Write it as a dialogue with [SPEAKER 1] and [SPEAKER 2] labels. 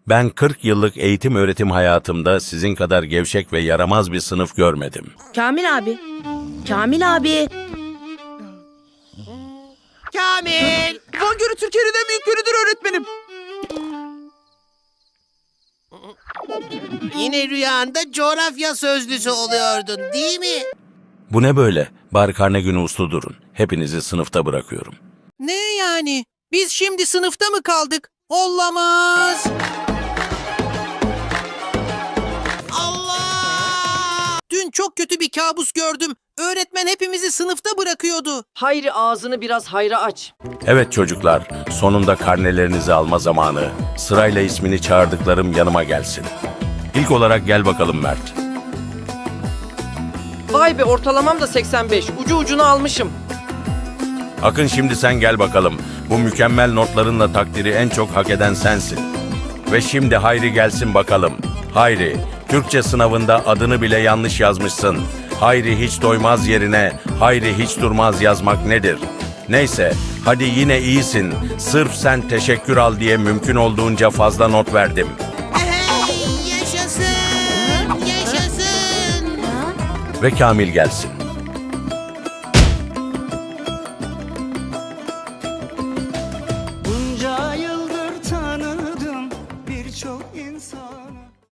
[SPEAKER 1] Ben 40 yıllık eğitim öğretim hayatımda sizin kadar gevşek ve yaramaz bir sınıf görmedim.
[SPEAKER 2] Kamil abi. Kamil abi.
[SPEAKER 3] Kamil!
[SPEAKER 4] Van Gölü Türkiye'nin en büyük gölüdür öğretmenim.
[SPEAKER 3] Yine rüyanda coğrafya sözlüsü oluyordun, değil mi?
[SPEAKER 1] Bu ne böyle? Bari karne günü uslu durun. Hepinizi sınıfta bırakıyorum.
[SPEAKER 3] Ne yani? Biz şimdi sınıfta mı kaldık? Olamaz! Allah! Dün çok kötü bir kabus gördüm. Öğretmen hepimizi sınıfta bırakıyordu.
[SPEAKER 4] Hayri ağzını biraz hayra aç.
[SPEAKER 1] Evet çocuklar, sonunda karnelerinizi alma zamanı. Sırayla ismini çağırdıklarım yanıma gelsin. İlk olarak gel bakalım Mert.
[SPEAKER 4] Vay be, ortalamam da 85. Ucu ucuna almışım.
[SPEAKER 1] Akın, şimdi sen gel bakalım. Bu mükemmel notlarınla takdiri en çok hak eden sensin. Ve şimdi Hayri gelsin bakalım. Hayri, Türkçe sınavında adını bile yanlış yazmışsın. Hayri hiç doymaz yerine Hayri hiç durmaz yazmak nedir? Neyse, hadi yine iyisin. Sırf sen teşekkür al diye mümkün olduğunca fazla not verdim.
[SPEAKER 3] Hey, yaşasın! Yaşasın!
[SPEAKER 1] Ve Kamil gelsin.